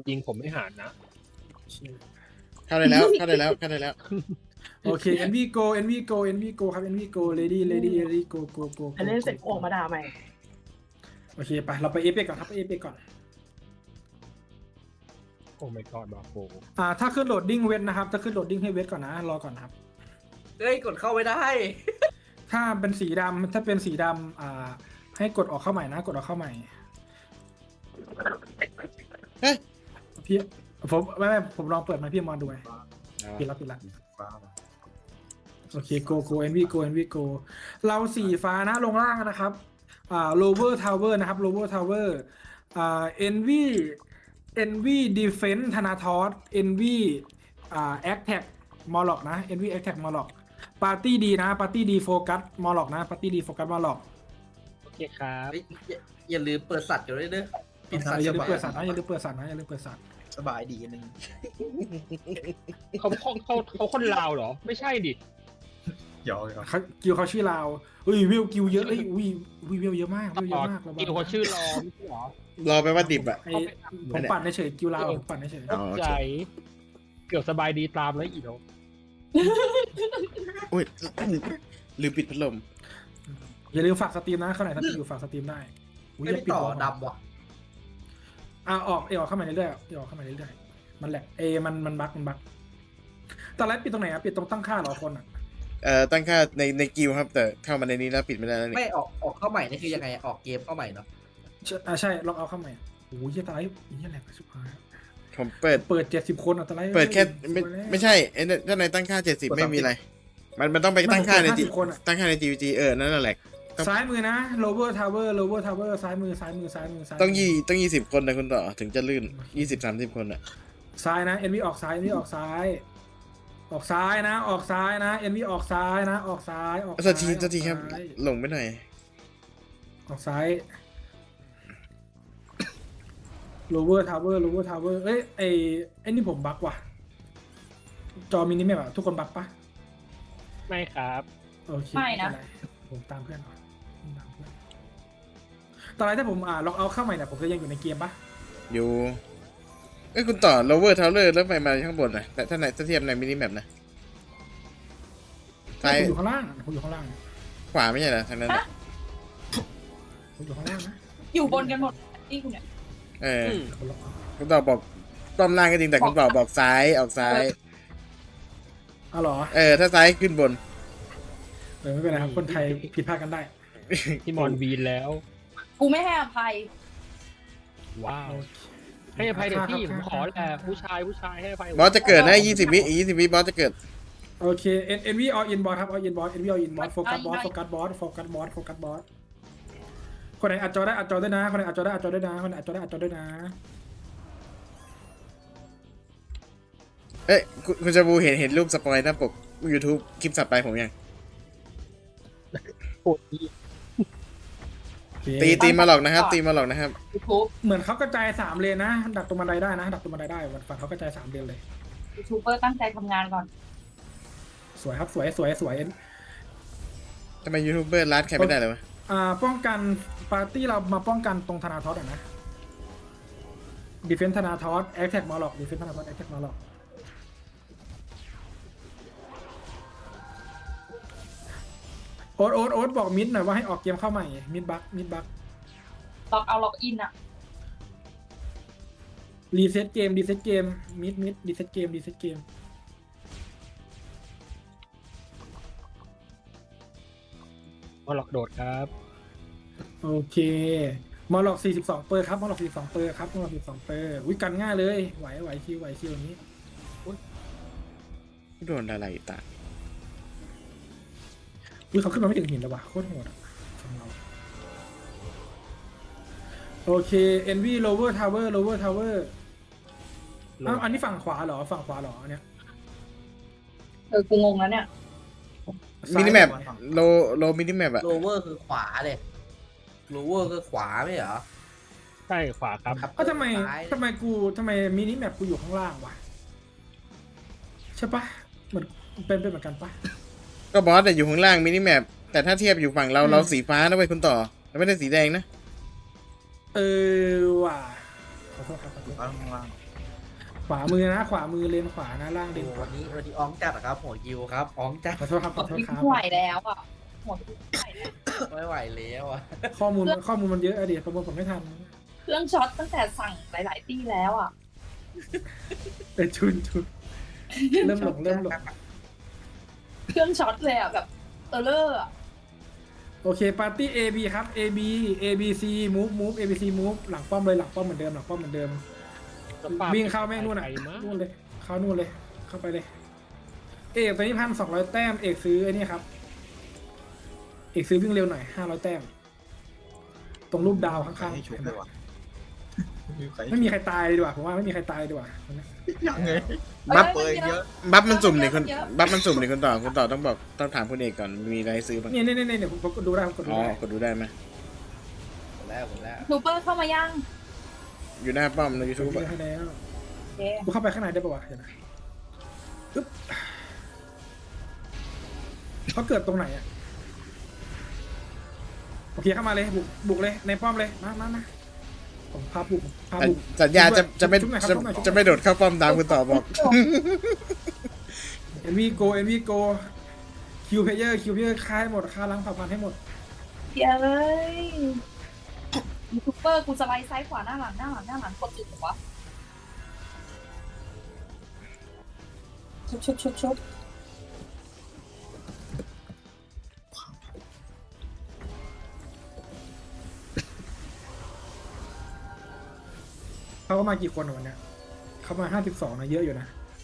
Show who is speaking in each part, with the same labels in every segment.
Speaker 1: ยิงผมไม่หารนะ
Speaker 2: เข้าได้แล้วเข้าได้แล้วเข้าได้แล้ว
Speaker 3: โอเค NV go NV go NV go ครับ NV go lady go go go
Speaker 4: อันนี้เสร็จออกมาด่าใหม่
Speaker 3: โอเคไปเราไปเอฟก่อนครับไปเอฟก่อน
Speaker 1: โอ้ไม่กอดบาโฟ
Speaker 3: ถ้าขึ้นโหลดดิ้งเวทนะครับถ้าขึ้นโหลดดิ้งให้เวทก่อนนะรอก่อนครับ
Speaker 5: เฮ้ยกดเข้าไม่ได้
Speaker 3: ถ้าเป็นสีดำถ้าเป็นสีดำให้กดออกเข้าใหม่นะกดออกเข้าใหม่
Speaker 2: เฮ้ย
Speaker 3: พี่ผมไม่ผมลองเปิดมาพี่มอนดูไงปิดละโอเค go NV go NV go เราสีฟ้านะลงล่างนะครับlower tower นะครับ lower tower NV defense ธนาทอส NV attack มอลล็อกนะ NV attack มอลล็อกปาร์ตี้ดีนะปาร์ตี้ดีโฟกัสมอลล็อกนะปาร์ตี้ดีโฟกัสมอลล็อก
Speaker 1: โอเคครับ
Speaker 5: เฮ้ยอย่าลืมเปิดสัตว์อยู่ด้วยเด้อปิดสัตว์
Speaker 3: อย่าลืม
Speaker 5: สบาย
Speaker 3: เปิดสัตว์นะอย่าลืมเปิดสัตว์นะอย่าลืมเปิดสัตว์
Speaker 5: สบายดีอันนึง
Speaker 1: เขาคนลาวเหรอ ไม่ใช่ดิ
Speaker 6: ยอม
Speaker 3: กิวเขาชื่อลาววิวกิวเยอะวิวเยอะมากวิวเยอะมาก
Speaker 1: กิวเขาชื่อรอไม่ใช่เหรอ
Speaker 2: รอไปว่าดิบอ่ะ
Speaker 3: ผมปั่นเฉยกิวลาวผมปั่นเฉย
Speaker 2: อ๋อโอเค
Speaker 1: ใจเกือบสบายดีตามแล้วอีกแล้ว
Speaker 2: อุ้ยลืมปิดพัดลม
Speaker 3: อย่าลืมฝากสตรีมนะเข้าไหนถ้าอยู่ฝากสตรีมได้
Speaker 5: ไม่ได้ต่อดำว่ะ
Speaker 3: ออกเข้ามาเรื่อยๆออกเข้ามาเรื่อยๆมันแหละมันบั๊กตอนแรกปิดตรงไหนอะปิดตรงตั้งค่าเหรอคนอะ
Speaker 2: ตั้งค่าในกิวครับ แต่เข้ามาในนี้แล้วปิดไม่ได้แล้วนี่
Speaker 5: ไม่ออกเข้าใหม่นี่คือยังไงออกเกมเข้าใหม่เนาะ
Speaker 3: ใช่ลองเอาเข้ามาโอ้ยตายนี่แหละสุดท้าย
Speaker 2: ผมเปิด
Speaker 3: 70 คนอะตอนแรก
Speaker 2: เปิดแค่ไม่ใช่ถ้าในตั้งค่า70ไม่มีอะไร มันต้องไปตั้งค่าในจีตั้งค่าใน GVG นั่นแหละ
Speaker 3: ซ้ายมือนะ lower tower ซ้ายมือ
Speaker 2: ต้อง20 คนนะคุณต่อถึงจะลื่น20-30 คนอ่ะ
Speaker 3: ซ้ายนะ NV ออกซ้าย NV ออกซ้ายนะออกซ้ายนะ NV ออกซ้ายนะออกซ้าย
Speaker 2: สักทีครับหลงไปหน่อย
Speaker 3: ออกซ้าย lower tower เอ้ยไอ้นี่ผมบั๊กว่ะจอมินิแมปอะทุกคนบั๊กปะ
Speaker 1: ไม่ครับ
Speaker 3: โอเคไม่นะผมตามเพื่อนก่อนตอนแรกถ้าผมล็อกเอาเข้าใหม่เนี่ยผมจะยังอยู่ในเกมปะ
Speaker 2: อยู่คุณต่อ lower tower แล้วไปมาข้างบนนะแต่ถ้าเทียบในมินิแมปนะซ้าย
Speaker 3: ผมอยู่ข้างล่าง
Speaker 2: ขวาไม่ใช่เหรอทางนั้น
Speaker 3: ผมอยู่ข้างล่างนะ
Speaker 4: อยู่บนกันหมดที่คุณเนี่ย
Speaker 2: คุณต่อบอกต้อมล่างก็จริงแต่คุณต่อบอกซ้ายออกซ้าย
Speaker 3: เหรอ
Speaker 2: ถ้าซ้ายขึ้นบน
Speaker 3: ไม่เป็นไรครับคนไทยผิดพลาดกันได้
Speaker 1: ที่มอนวีนแล้ว
Speaker 4: กูไม่ให้อภัย
Speaker 1: ว้าวให้อภัยเด็กพี่ผมขอแหละผู้ชายให้อภัย
Speaker 2: บอสจะเกิดนะ20 วิบอสจะเกิด
Speaker 3: โอเค NV all in boss ครับ all in boss NV all in boss โฟกัสบอสคนไหนอัดจอได้นะคนไหนอัดจอได้นะ
Speaker 2: คุณจะบูเห็นรูปสปอยหน้าปก YouTube คลิปสับไปผมยัง
Speaker 1: โอ้ย
Speaker 2: ตีมาหลอกนะครับตีมาหลอกนะครับ
Speaker 4: YouTube
Speaker 3: เหมือนเขากระจาย3 เลนนะดักตรงบันไดได้นะดักตรงบันไดได้ฝั่งเขากระจาย3 เลนเลย
Speaker 4: ยูทูบเบอร์ตั้งใจทำงานก่อน
Speaker 3: สวยครับสวย
Speaker 2: ทำไมยูทูบเบอร์รัดใครไม่ได้เลยวะ
Speaker 3: ป้องกันปาร์ตี้เรามาป้องกันตรงธนาทอสนะดีเฟนส์ธนาทอสแอคแท็กมาหลอกดีเฟนส์ธนาทอสแอคแท็กมาหลอกโอ๊ตบอกมิดหน่อยว่าให้ออกเกมเข้าใหม่มิดบัก
Speaker 4: ล็อกเอาล็อกอินอะ
Speaker 3: รีเซ็ตเกมมิดรีเซ็ตเกม
Speaker 1: มาหลอกโดดครับ
Speaker 3: โอเคมอลล็อก42 เปอร์ครับมอลล็อก42 เปอร์ครับมอลล็อก42 เปอร์วิกันง่ายเลยไหวคิวอย่างนี้
Speaker 2: โดนอะไรตา
Speaker 3: เขาขึ้นมาไม่ถึงหินแล้ววะโคตรโหดอ่ะฝั่งเราโอเค NV lower tower อ้าวอันนี้ฝั่งขวาเหรอเนี่ย
Speaker 4: กูงงแล้วเนี่ย
Speaker 2: มินิแมปโลมินิแมปอะ
Speaker 5: โลเวอร์คือขวาเลยโลเวอร์คือขวาไม่เหรอ
Speaker 1: ใช่ขวาครับ
Speaker 3: ทำไมมินิแมปกูอยู่ข้างล่างวะใช่ปะเหมือนเป็นเหมือนกันปะ
Speaker 2: ก็บอสแต่อยู่ข้างล่างมินิแมปแต่ถ้าเทียบอยู่ฝั่งเราสีฟ้านะเว้ยคุณต่อเราไม่ได้สีแดงนะ
Speaker 3: ว่ะขอโทษครับ
Speaker 6: ข้างล่าง
Speaker 3: ขวามือนะขวามือเลนขวานะล่างเล
Speaker 5: โอ้
Speaker 3: นขวา
Speaker 5: วันนี้อ้องจัดอะครับหัวยิวครับอ้องจัด
Speaker 3: ขอโทษครับขอโทษครับ
Speaker 4: ไม่ไหวแล้วอ่ะหมดไม่ไหวแล้ว
Speaker 5: ไม่ไหวแล้วอะ
Speaker 3: ข้อมูลมันเยอะอะดิประมวลผลไม่ทัน
Speaker 4: เครื่องช็อตตั้งแต่สั่งหลาย ๆ ตีแล้วอ่ะ
Speaker 3: ชุนเริ่มหลง
Speaker 4: เครื่องช็อตเลยอ่ะแบบเลอร์อ่ะ
Speaker 3: โอเคปาร์ตี้ AB ครับ ABC move ABC move หลังป้อมเลยหลังป้อมเหมือนเดิมวิ่งเข้าแม่งนู่นอ่ะ
Speaker 1: ไปมั้ง
Speaker 3: นู่นเลยเข้านู่นเลยเข้าไปเลย เอกตอนนี้1,200 แต้มเอกซื้อไอ้นี่ครับเอกซื้อวิ่งเร็วหน่อย500 แต้ม ตรงรูปดาวข้าง
Speaker 6: ให้ชุบเลยว่ะ
Speaker 3: ๆไม่มีใครตายเลยดีกว่าผมว่าไม่มีใครตายดีกว่า
Speaker 6: ยังไง
Speaker 2: บัฟ
Speaker 6: เปิดเยอะ
Speaker 2: บัฟมันสุ่มเนี่ยบัฟมันสุ่มเนี่ยคุณต่อต้องบอกต้องถามคุณเอกก่อนมีอะไรให้ซื้อบ้าง
Speaker 3: เนี่ยผมกดดูได้ผมกดดู
Speaker 2: อ๋อ
Speaker 3: ได้
Speaker 2: กดดูได้ไหม
Speaker 5: หมดแล้ว
Speaker 4: ทูเปอร์เข้ามายัง
Speaker 2: อยู่หน้าป้อมในยูทูบ
Speaker 3: ให้แล้ว
Speaker 4: โอเค
Speaker 3: กูเข้าไปข้างในได้ปะวะเดี๋ยวนะอึ๊บเขาเกิดตรงไหนอ่ะโอเคเข้ามาเลยบุกเลยในป้อมเลยมาผมพาบุก
Speaker 2: สัญญาจะไม่
Speaker 3: ชุบหน่อยครับชุบหน่อย
Speaker 2: จะไม่โดดเข้าป้อมตามคุณต่อบอก
Speaker 3: NV go คิวเพเยอร์ฆ่าให้หมดฆ่าล้างเผ่าพันธุ์ให้หมด
Speaker 4: เดี๋ยวเลยยูทูบเบอร์กูสไลด์ซ้ายขวาหน้าหลังกดจุดหัวชุบ
Speaker 3: เขาก็มากี่คนวันเนี้ยเขามา52นะเยอะอยู่นะ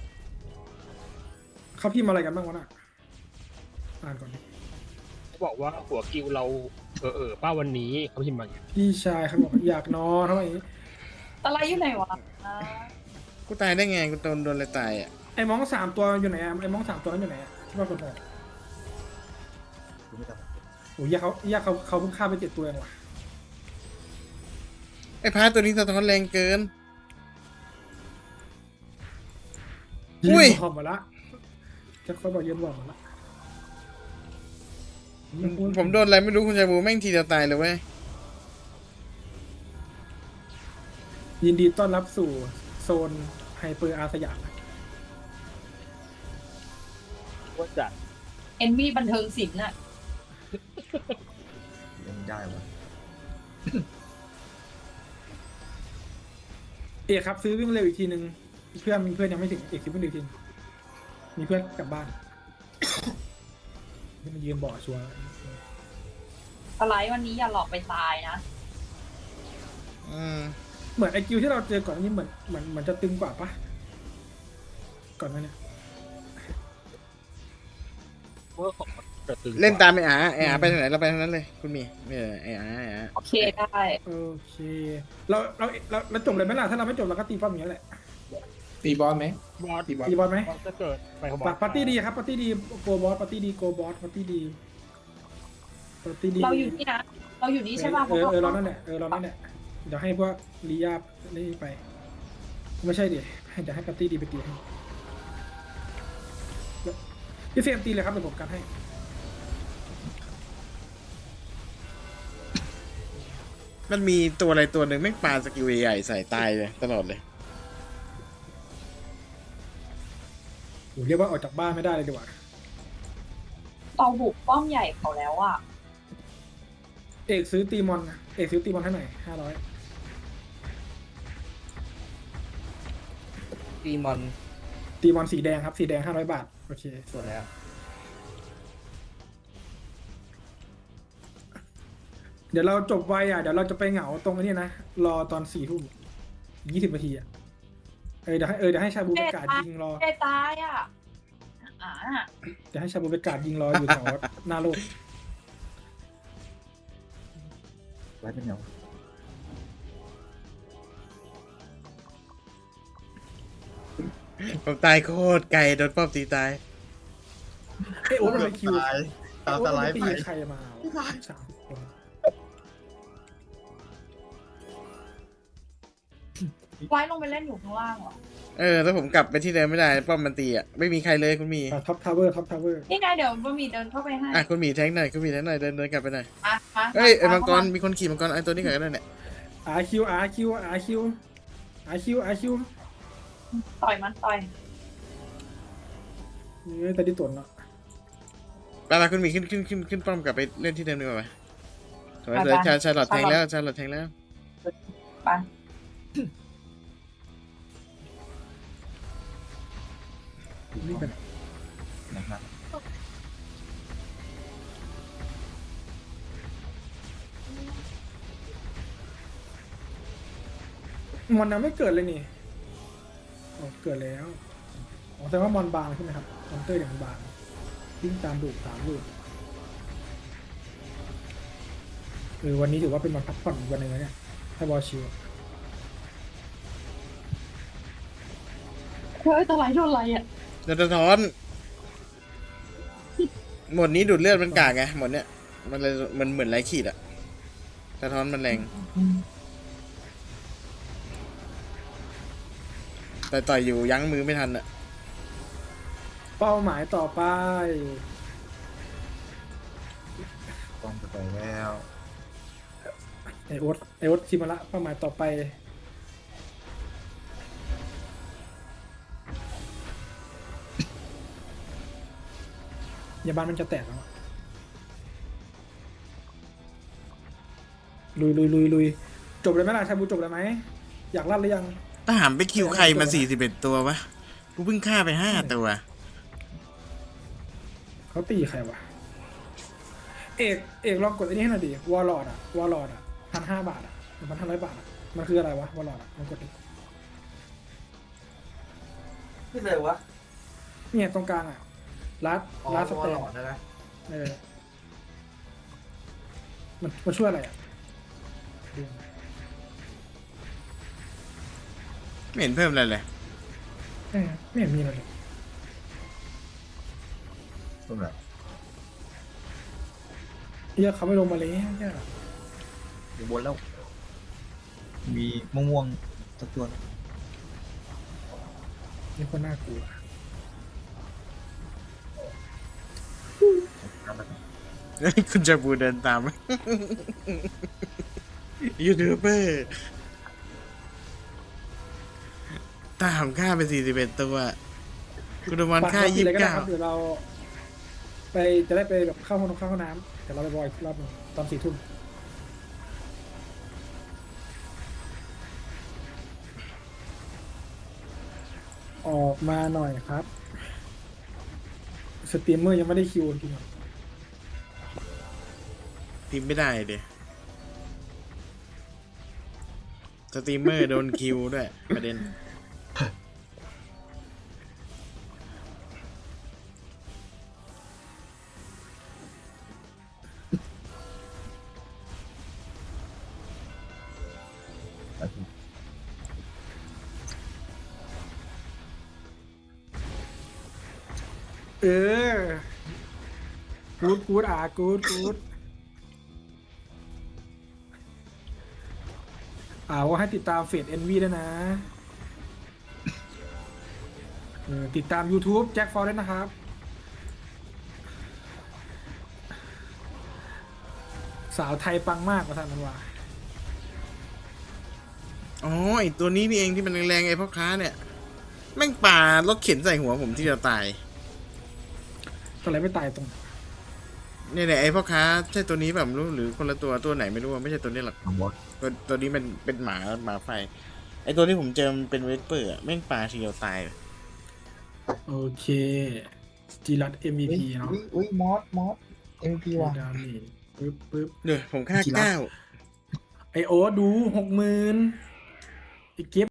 Speaker 3: เขาพิมพ์อะไรกันบ้างวะน่ะอ่านก่อนดิ
Speaker 1: เขาบอกว่าหัวกิวเราป้าวันนี้เขาพิมพ์มาอย่างเงี้ย
Speaker 3: พี่ชายเขาบอกอยากนอนทำไม
Speaker 4: สไลด์อยู่ไหนวะ
Speaker 2: กูตายได้ไงกูโดนอะไรตายอ่ะ
Speaker 3: ไอ้มอง3ตัวอยู่ไหนอะไอ้มอง3ตัวนั้นอยู่ไหนอะที่ว่าคนบอกโอ้ยเขาเพิ่งฆ่าไป7ตัวเองว่ะ
Speaker 2: ไอ้พาตัวนี้สะท้อนแรงเกิน อุ้ย
Speaker 3: ยืนบอกมาละจะเขาบอกยืนบอกมาละ
Speaker 2: ผมโดนอะไรไม่รู้คุณชายบูแม่งทีเดียวตายเลยเว้ย
Speaker 3: ยินดีต้อนรับสู่โซนไฮเปอร์อาสยาม
Speaker 1: ว่าจัด
Speaker 4: เอ็นวีบันเทิงศิลป์น่ะ
Speaker 6: ยังได้วะ
Speaker 3: เอกครับซื้อวิ่งเร็วอีกทีนึงเพื่อนยังไม่ถึงเอกซื้อวิ่งเร็วอีกทีมีเพื่อนกลับบ้านที่มันยืนบ่อชัวร์
Speaker 4: สไลด์วันนี้อย่าหลอกไปตายนะ
Speaker 2: อืม
Speaker 3: เหมือนไอคิวที่เราเจอก่อนอันนี้เหมือนจะตึงกว่าปะก่อนหนั้านเนี่ย
Speaker 1: เมื่อของกระตือ
Speaker 2: เล่นตามไอ้อาไปทางไหนเราไปทางนั้นเลยคุณมีไอ้อา
Speaker 4: โอเคได้
Speaker 3: โอเคเราจบเลยไหมล่ะถ้าเราไม่จบเราก็ตีป้อมอย่างนี้ยแหละ
Speaker 6: ตีบอลไหม
Speaker 1: บอส
Speaker 6: ตีบอล
Speaker 3: ตีบอลไหม
Speaker 1: บอสจะเกิดไปของบอส
Speaker 3: ปาร์ตี้ดีครับปาร์ตี้ดีโกบอสปาร์ตี้ดีโกบอสปาร์ตี้ดีปาร์ตี้ดี
Speaker 4: เราอยู่นี่นะ เราอยู่นี่ใช่ป่ะ
Speaker 3: เรานั่นแหละเรานั่นแหละเดี๋ยวให้พวกลียานี่ไป ไม่ใช่ดิเดี๋ยวให้ปาร์ตี้ดีไปตีให้พี่เฟรมตีเลยครับเดี๋ยวผมกันให้
Speaker 2: มันมีตัวอะไรตัวหนึ่งแม่งปาสกิลใหญ่ใส่ตายเลยตลอดเลย
Speaker 3: โหเรียกว่าออกจากบ้านไม่ได้เลยดีกว่า
Speaker 4: เราบุกป้อมใหญ่เขาแล้วอ่ะ
Speaker 3: เอกซื้อตีมอนให้หน่อย500
Speaker 5: ตีมอน
Speaker 3: ตีมอนสีแดงครับสีแดง500 บาทโอเค
Speaker 5: ส่วนแล้ว
Speaker 3: เดี๋ยวเราจบไวอ่ะเดี๋ยวเราจะไปเหงาตรงนี้นะรอตอน4 ทุ่ม20 นาทีอ่ะเดี๋ยวให้ชาบูประกาศยิงรอ
Speaker 4: เจตายอ่ะอ่า
Speaker 3: เดี๋ยวให้ชาบูประกาศยิงรออยู่แถวหน้าโลก
Speaker 6: ไว้เป็นเงา
Speaker 2: ผมตายโคตรไกลโดนป้อมตีตาย
Speaker 3: โอ้ยมันไปคิว
Speaker 6: ตายตาม
Speaker 3: โอ้
Speaker 6: ส
Speaker 3: ย
Speaker 6: ไล
Speaker 3: มัน
Speaker 6: ด์
Speaker 3: ตี
Speaker 6: ไป
Speaker 3: ใครมา30 คน
Speaker 4: ไว้ลงไปเล่นอยู่ข้างล่างเหรอ
Speaker 2: แล้วผมกลับไปที่เดิมไม่ได้ป้อมมันตีอ่ะไม่มีใครเลยคุณมี
Speaker 3: ท็อปทาวเวอร์
Speaker 4: นี่ไงเดี๋ยวบะหมี่เดินเข้าไปให้
Speaker 2: คุณมีแทงหน่อยคุณมีแทงหน่อยเดินกลับไปหน่อย
Speaker 4: มา
Speaker 2: เฮ้ยไอ้มังกรมีคนขี่มังกรไอ้ตัวนี้ก่อนก็ได้เนี่ย
Speaker 3: RQ
Speaker 4: ต่อยมันต่อย
Speaker 3: นี่แต่ที่ตนเนาะ
Speaker 2: เวลาคุณมีขึ้นป้อมกลับไปเล่นที่เดิมดีกว่าไหมสวยชาลอตแทงแล้วชาลอตแทงแล้ว
Speaker 4: ไป
Speaker 3: นี่เป็น
Speaker 6: นะครับ
Speaker 3: มอนยังไม่เกิดเลยนี่อ๋อเกิดแล้วอ๋อแสดงว่ามอนบางใช่ไหมครับมอนเตอร์อย่างบางวิ่งตามดูด3 ลูกวันนี้ถือว่าเป็นวันพักผ่อนอีกวันหนึ่งแล้วเนี่ยถ้าบอลชิว
Speaker 4: เฮ้ยตะไลโดนอะไรอ่ะ
Speaker 2: จะสะท้อนหมดนี้ดูดเลือดมันกากไงหมดเนี้ยมันเลยมันเหมือนไรขีดอะสะท้อนมันแรงแต่ต่อยอยู่ยั้งมือไม่ทันอะ
Speaker 3: เป้าหมายต่อไป
Speaker 6: ต้องไปแล้ว
Speaker 3: ไอโอ๊ตชิมาละเป้าหมายต่อไปยาบ้านมันจะแตกแล้วอะลุยจบเลยไหมล่ะชาบูจบเลยไหมอยากลั่นหรือยัง
Speaker 2: ถ้าหามไปคิวใครมา41ตัววะกูเพิ่งฆ่าไป5ตัว
Speaker 3: เขาตีใครวะเอกลองกดไอ้นี่ให้หน่อยดิวอลลอดอ่ะ1,500 บาทอ่ะ1,500 บาทอ่ะมันคืออะไรวะวอลลอดอ่ะลองกดดิ
Speaker 5: ขึ้นเลยวะ
Speaker 3: เนี่ยตรงกลางอ่ะลัด
Speaker 5: อ๋อ
Speaker 3: ลัดส
Speaker 5: ตัว
Speaker 3: เต
Speaker 5: หล
Speaker 3: น
Speaker 5: อดนะ
Speaker 3: มันช่วยอะไรอ่ะ
Speaker 2: ไม่เห็นเพิ่มอะไรเลย
Speaker 3: ไม่เห็นมีอะไรเลย
Speaker 6: ตรงไหน
Speaker 3: เฮียเขาไม่ลงมาเลยเฮีย
Speaker 6: อยู่บนแล้ว มีม่วงๆสักตัว
Speaker 3: มีคนน่ากลัว
Speaker 2: คุณจะบูเดินตาม ยูทูบเบอร์ตามฆ่าไป41ตัวคุณโดมันฆ่า
Speaker 3: เลยก็ได้ครับ
Speaker 2: 29
Speaker 3: เดี๋ยวเราไปจะได้ไปแบบเข้าห้องน้ำเดี๋ยวเราไปบอยอีกรอบหนึงตอน4 ทุ่มออกมาหน่อยครับสตรีมเมอร์ยังไม่ได้คิวจริงๆ
Speaker 2: พิมพ์ไม่ได้เดียสตรีมเมอร์โดนคิวด้วยประเด็น
Speaker 3: เออกูดกูดว่าให้ติดตามเฟซNVด้วยนะติดตาม YouTube แจ็คฟอร์ด้วยนะครับ สาวไทยปังมากกว่าท่านนั้นว่า
Speaker 2: อ๋อไอตัวนี้นี่เองที่มันแรงๆไอพ่อค้าเนี่ย แม่งป่ารถเข็นใส่หัวผมที่จะตาย
Speaker 3: ตอนไรไม่ตายตรง
Speaker 2: เนี่ยไอพ่อค้าใช่ตัวนี้แบบรู้หรือคนละตัวไหนไม่รู้ไม่ใช่ตัวนี้หรอก
Speaker 6: ของบอส
Speaker 2: ตัวนี้มันเป็นหมาไฟ ไอตัวที่ผมเจอมันเป็นเวสเปอร์อะแม่งป่าทีเดียวตายเลย
Speaker 3: โอเคจีรัต MVP เนาะ
Speaker 6: อุ้ยมอส MVP ว่ะ
Speaker 3: ดาเมจปึ๊บ
Speaker 2: เดี๋ยวผมฆ่า
Speaker 6: กีฬา
Speaker 3: ไอโอดู60,000ไอเก็บ